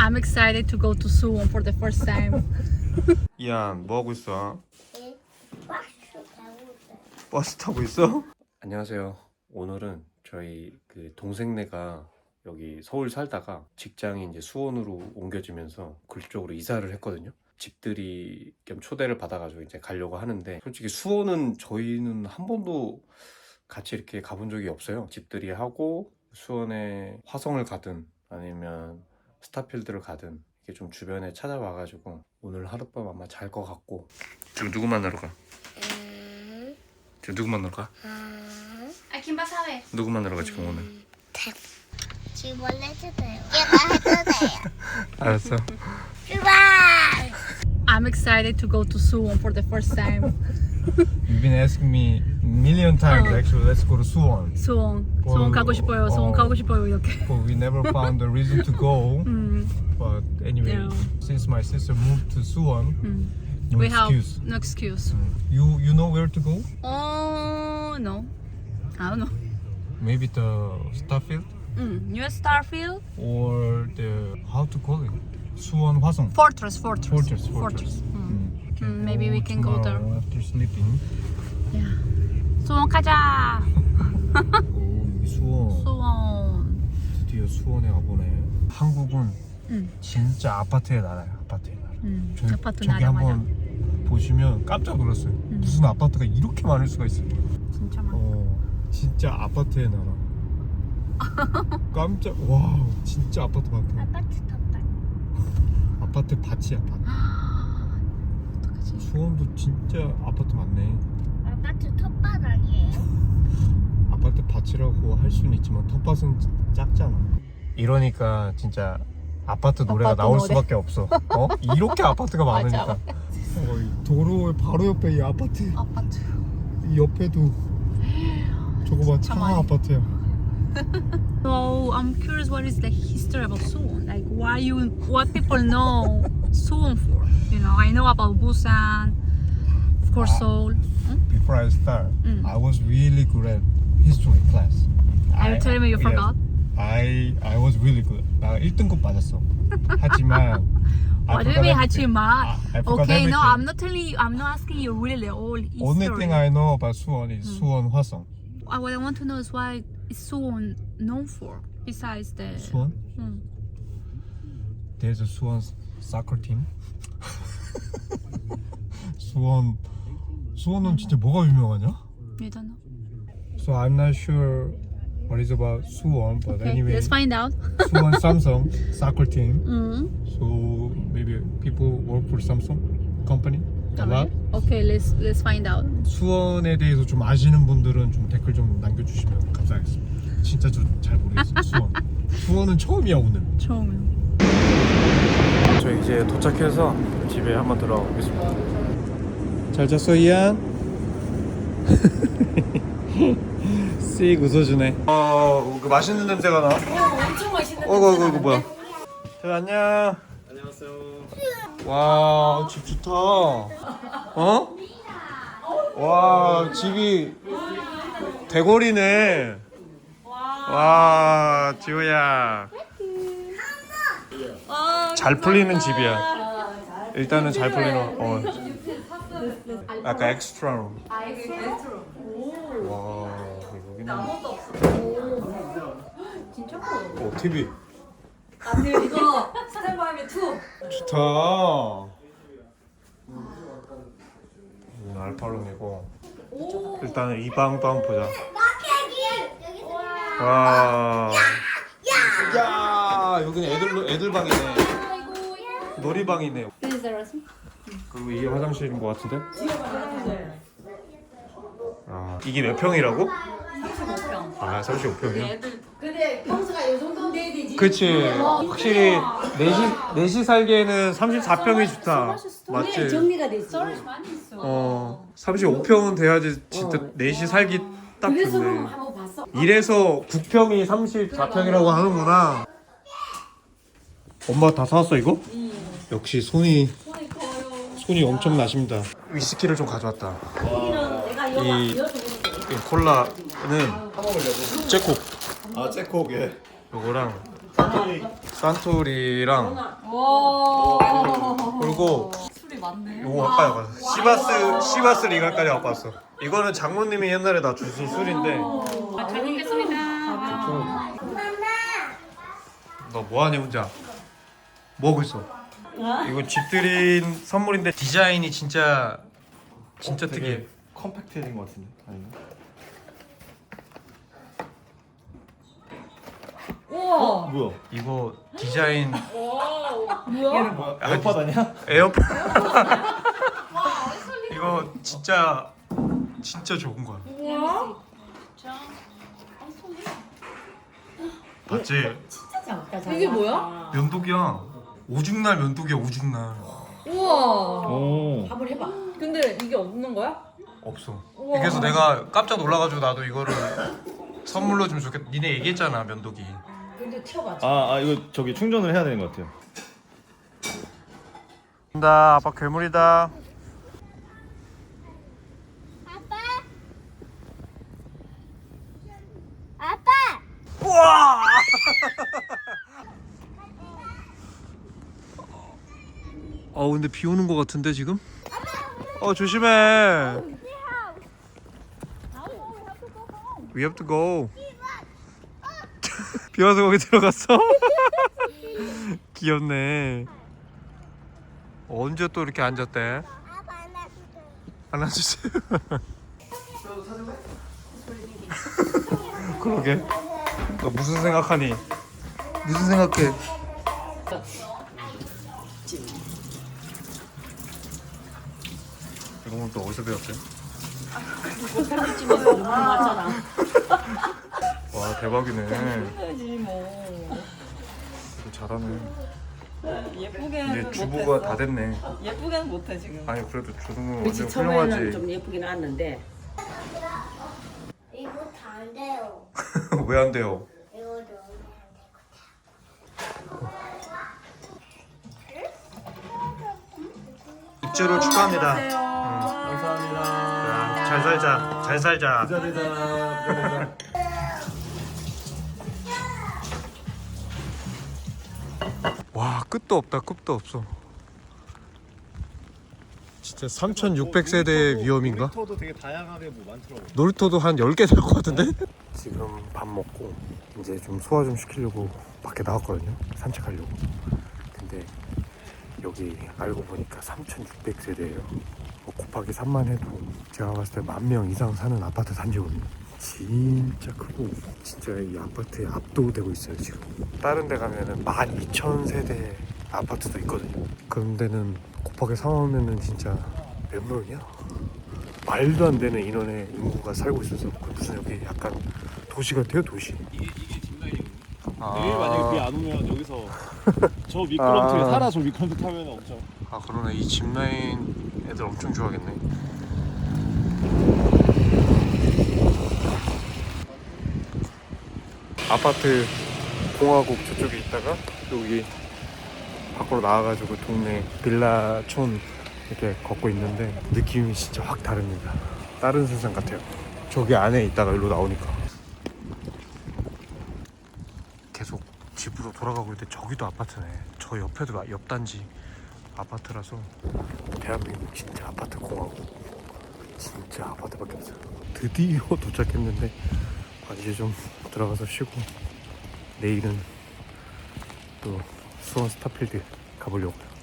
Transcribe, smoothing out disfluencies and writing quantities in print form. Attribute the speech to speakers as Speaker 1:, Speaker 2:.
Speaker 1: I'm excited to go to Suwon for the first time.
Speaker 2: 이안 뭐 하고 있어?
Speaker 3: 박수 배우자.
Speaker 2: 버스 타고 있어? 안녕하세요. 오늘은 저희 그 동생네가 여기 서울 살다가 직장이 이제 수원으로 옮겨지면서 그쪽으로 이사를 했거든요. 집들이 겸 초대를 받아가지고 이제 가려고 하는데, 솔직히 수원은 저희는 한 번도 같이 이렇게 가본 적이 없어요. 집들이 하고 수원에 화성을 가든 아니면 스타필드를 가든 이렇게 좀 주변에 찾아와가지고 오늘 하룻밤 아마 잘 것 같고. 지금 누구 만나러 가? 지금 누구 만나러 가?
Speaker 1: ¿A quién vas a ver?
Speaker 2: 누구 만나러 가 지금 오늘?
Speaker 3: 지금 원래 해도 돼요. 얘가 해도 돼요.
Speaker 2: 알았어.
Speaker 3: 출발!
Speaker 1: I'm excited to go to Suwon for the first time.
Speaker 4: You've been asking me a million times actually, let's go to Suwon.
Speaker 1: 수원. 수원 가고 싶어요. 수원 가고 싶어요. 이렇게.
Speaker 4: But we never found a reason to go. But anyway,
Speaker 1: Yeah.
Speaker 4: since my sister moved to Suwon, no
Speaker 1: We have
Speaker 4: excuse.
Speaker 1: no excuse.
Speaker 4: You know where to go?
Speaker 1: Oh no, I don't know.
Speaker 4: Maybe the Starfield
Speaker 1: New Starfield
Speaker 4: or the how to call it? Suwon Hwasong.
Speaker 1: Fortress.
Speaker 4: Fortress.
Speaker 1: Maybe we can go there.
Speaker 4: tomorrow after sleeping.
Speaker 1: Yeah. 수원 가자.
Speaker 4: 오, 여기 수원.
Speaker 1: 수원.
Speaker 4: 드디어 수원에 와보네. 한국은
Speaker 1: 응.
Speaker 4: 진짜 아파트의 나라야. 아파트의 나라.
Speaker 1: 아파트
Speaker 4: 저기
Speaker 1: 나라 맞아.
Speaker 4: 한번 보시면 깜짝 놀랐어요. 무슨 아파트가 이렇게 많을 수가 있어.
Speaker 1: 진짜 많아.
Speaker 4: 진짜 아파트의 나라. 깜짝 와 진짜 아파트 많다.
Speaker 3: 아파트 덮밥.
Speaker 4: 아파트 밭이야 밭.
Speaker 1: 어떡하지?
Speaker 4: 수원도 진짜 아파트 많네.
Speaker 3: 아파트 텃밭 아니에요?
Speaker 4: 아파트 밭이라고 할 수는 있지만 텃밭은 작잖아. 이러니까 진짜 아파트 노래가
Speaker 1: 아파트
Speaker 4: 나올
Speaker 1: 노래.
Speaker 4: 수밖에 없어. 이렇게 아파트가 많으니까. 도로 바로 옆에 이 아파트.
Speaker 1: 아파트.
Speaker 4: 이 옆에도 저거 봐, 차
Speaker 1: 많이.
Speaker 4: 아파트야.
Speaker 1: So I'm curious, what is the history about Suwon? Like, what people know Suwon for? You know, I know about Busan, of course, Seoul.
Speaker 4: Before I start, I was really good at history class.
Speaker 1: Are you telling me you forgot?
Speaker 4: I was really good. 나 1등급 맞았어. 하지만 I
Speaker 1: What do you
Speaker 4: forgot
Speaker 1: mean,
Speaker 4: everything.
Speaker 1: Hachima?
Speaker 4: I forgot
Speaker 1: Okay, no,
Speaker 4: everything.
Speaker 1: I'm not telling you. I'm not asking you really all history.
Speaker 4: Only thing I know about Suwon is Suwon Hwasong.
Speaker 1: What I want to know is what is Suwon known for besides the.
Speaker 4: Suwon?
Speaker 1: 음.
Speaker 4: There's a Suwon soccer team. 수원은 진짜 뭐가 유명하냐?
Speaker 1: You don't know.
Speaker 4: So I'm not sure what is about Suwon, but
Speaker 1: Okay,
Speaker 4: anyway,
Speaker 1: let's find out.
Speaker 4: Suwon Samsung soccer team.
Speaker 1: Mm.
Speaker 4: So maybe people work for Samsung company a lot.
Speaker 1: Okay, let's find out.
Speaker 4: 수원에 대해서 좀 아시는 분들은 좀 댓글 좀 남겨주시면 감사하겠습니다. 진짜 저 잘 모르겠어요. 수원은 처음이야 오늘.
Speaker 1: 처음이요.
Speaker 2: 저 이제 도착해서 집에 한번 들어가보겠습니다. 잘 잤어 이안? 씩 웃어주네. 그 맛있는 냄새가 나.
Speaker 1: 엄청 맛있는.
Speaker 2: 이거 뭐야? 안녕. 안녕하세요. 와, 집 좋다. 어? 와, 집이 대거리네. 와, 지호야. 잘 풀리는 집이야. 일단은 잘 풀리는. 약간 엑스트라룸. 와, 여기는.
Speaker 1: 진짜 커.
Speaker 2: TV.
Speaker 1: 이거 스탠바이미 2.
Speaker 2: 좋다. 여기는 알파룸이고. 일단은 이 방도 한번 보자. 와. 야, 여기는 애들 방이네. 놀이방이네. 그리고 이게 화장실인 것 같은데? 아, 이게 몇 평이라고?
Speaker 1: 35평.
Speaker 2: 아, 35평이야?
Speaker 5: 근데 평수가 이 정도 돼야 되지.
Speaker 2: 그치. 확실히 넷이 살기에는 34평이 좋다. 맞지?
Speaker 5: 정리가 됐어.
Speaker 1: 많이 있어.
Speaker 2: 35평은 돼야지 진짜 넷이 살기 딱
Speaker 5: 그래서
Speaker 2: 좋네.
Speaker 5: 한번 봤어.
Speaker 2: 이래서 9평이 34평이라고 하는구나. 엄마 다 사왔어 이거? 역시 손이 엄청 나십니다. 위스키를 좀 가져왔다. 이 콜라는 잭콕.
Speaker 4: 아, 잭콕 예.
Speaker 2: 요거랑
Speaker 4: 산토리랑 그리고
Speaker 1: 술이 많네.
Speaker 4: 요거 아까 와봤어. 시바스 리갈까지 와봤어. 이거는 장모님이 옛날에 나 주신 술인데.
Speaker 1: 잘 먹겠습니다.
Speaker 4: 너 뭐하냐 혼자? 뭐하고 있어? 이거 집들인 선물인데 디자인이 진짜 특이해.
Speaker 6: 컴팩트해진 것 같은데 아닌가?
Speaker 1: 우와.
Speaker 6: 뭐야?
Speaker 4: 이거 디자인
Speaker 1: 뭐야?
Speaker 6: 에어팟 아니야?
Speaker 4: 에어팟. 이거 진짜 좋은 거야.
Speaker 1: 뭐야?
Speaker 4: 봤지?
Speaker 1: 이게 뭐야?
Speaker 4: 면도기야. 오죽날 면도기야 오죽날.
Speaker 1: 우와.
Speaker 6: 오.
Speaker 5: 한번 해봐.
Speaker 1: 근데 이게 없는 거야?
Speaker 4: 없어.
Speaker 1: 우와.
Speaker 4: 그래서 내가 깜짝 놀라가지고 나도 이거를 선물로 주면 좋겠다. 니네 얘기했잖아 면도기.
Speaker 5: 근데 튀어가.
Speaker 6: 이거 저기 충전을 해야 되는 것 같아요.
Speaker 4: 나 아빠 괴물이다.
Speaker 3: 아빠. 아빠.
Speaker 4: 우와! 근데 비 오는 거 같은데 지금? 조심해. We have to go. 비 와서 거기 들어갔어? 귀엽네. 언제 또 이렇게 앉았대?
Speaker 3: 아빠
Speaker 4: 안아주세요. 그러게. 너 무슨 생각하니? 무슨 생각해? 이거 또 어디서 배웠대? 와 대박이네.
Speaker 7: 해야지 뭐.
Speaker 4: 잘하네.
Speaker 7: 예쁘게
Speaker 4: 이제 주부가 다 됐네.
Speaker 7: 예쁘게는 못해 지금.
Speaker 4: 아니 그래도 주부는
Speaker 5: 그치
Speaker 4: 완전
Speaker 5: 처음에는
Speaker 4: 훌륭하지.
Speaker 5: 좀 예쁘게 나왔는데
Speaker 3: 이거 다 안 돼요.
Speaker 4: 왜 안 돼요?
Speaker 3: 이거도
Speaker 4: 입주를 축하합니다.
Speaker 6: 감사합니다.
Speaker 4: 잘 살자. 잘 살자.
Speaker 6: 부자되자.
Speaker 4: 와 끝도 없다. 끝도 없어. 진짜 3,600세대의 위험인가?
Speaker 6: 놀이터도 되게 다양하게 뭐 많더라고.
Speaker 4: 놀이터도 한 10개 될 것 같은데? 지금 밥 먹고 이제 좀 소화 좀 시키려고 밖에 나왔거든요. 산책하려고. 근데 여기 알고 보니까 3,600세대예요. 곱하기 3만 해도 제가 봤을 때 10,000명 이상 사는 아파트 단지거든요. 진짜 크고 진짜 이 아파트에 압도되고 있어요 지금. 다른 데 가면은 12,000세대 아파트도 있거든요. 그런 데는 곱하기 3하면은 진짜 몇 명이야? 말도 안 되는 인원의 인구가 살고 있어서 무슨 여기 약간 도시 같아요 도시.
Speaker 6: 이게 짚라인이거든요.
Speaker 4: 아.
Speaker 6: 내일 만약에 비 안 오면 여기서 저 미끄럼틀에 살아 저 미끄럼틀 타면 엄청.
Speaker 4: 아 그러네. 이 짚라인 애들 엄청 좋아하겠네. 아파트 공화국 저쪽에 있다가 여기 밖으로 나와가지고 동네 빌라촌 이렇게 걷고 있는데 느낌이 진짜 확 다릅니다. 다른 세상 같아요. 저기 안에 있다가 여기로 나오니까 계속 집으로 돌아가고 있는데 저기도 아파트네. 저 옆에도 옆 단지 아파트라서 대한민국 진짜 아파트 공화국. 진짜 아파트밖에 없어요. 드디어 도착했는데 이제 좀 들어가서 쉬고 내일은 또 수원 스타필드 가보려고요.